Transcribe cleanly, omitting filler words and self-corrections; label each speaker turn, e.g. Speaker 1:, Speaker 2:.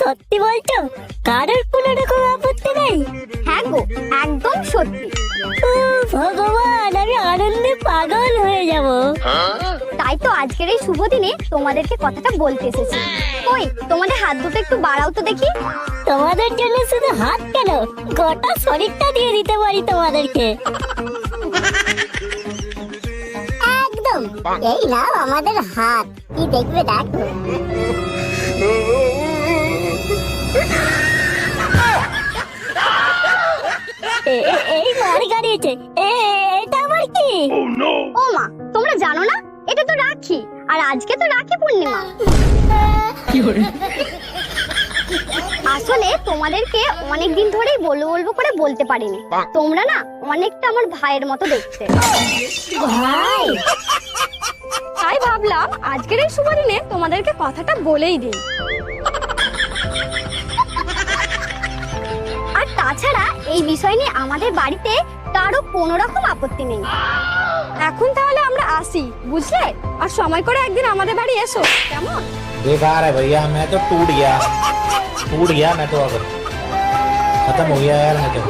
Speaker 1: সত্যি বলছো? কারোর কোনো রকম আপত্তি নেই?
Speaker 2: হ্যাঁ গো, একদম সত্যি।
Speaker 1: ও ভগবান, আমি আনন্দে পাগল হয়ে যাব।
Speaker 2: তাই তো আজকের এই শুভ দিনে তোমাদেরকে কথাটা বলতে এসেছি। ওই তোমাদের হাত দুটো একটু বাড়াও তো দেখি।
Speaker 1: তোমাদের জন্য শুধু হাত কেন, গোটা শরীরটা দিয়ে দিতে পারি তোমাদেরকে। একদম, এই নাও আমাদের হাত, কি দেখবে দেখো। এই মার গাড়িয়েছে, এটা আবার কি?
Speaker 2: ও মা, তোমরা জানো না এটা তো রাখি, আর আজকে তো রাখি পূর্ণিমা। আসলে তোমাদেরকে অনেক দিন ধরেই বলবো বলবো করে বলতে পারিনি। তোমরা না অনেকটা আমার ভাইয়ের মতো দেখতে।
Speaker 1: ভাই,
Speaker 2: তাই ভাবলাম আজকের এই শুভ দিনে তোমাদেরকে কথাটা বলেই দিই। আর তাছাড়া এই বিষয় নিয়ে আমাদের বাড়িতে কারো কোনো রকম আপত্তি নেই। এখন তাহলে আমরা আসি, বুঝলে? আর সময় করে একদিন আমাদের বাড়ি এসো, কেমন?
Speaker 3: बेकार है भैया, मैं तो टूट गया मैं तो अब खत्म हो गया यार मैं तो।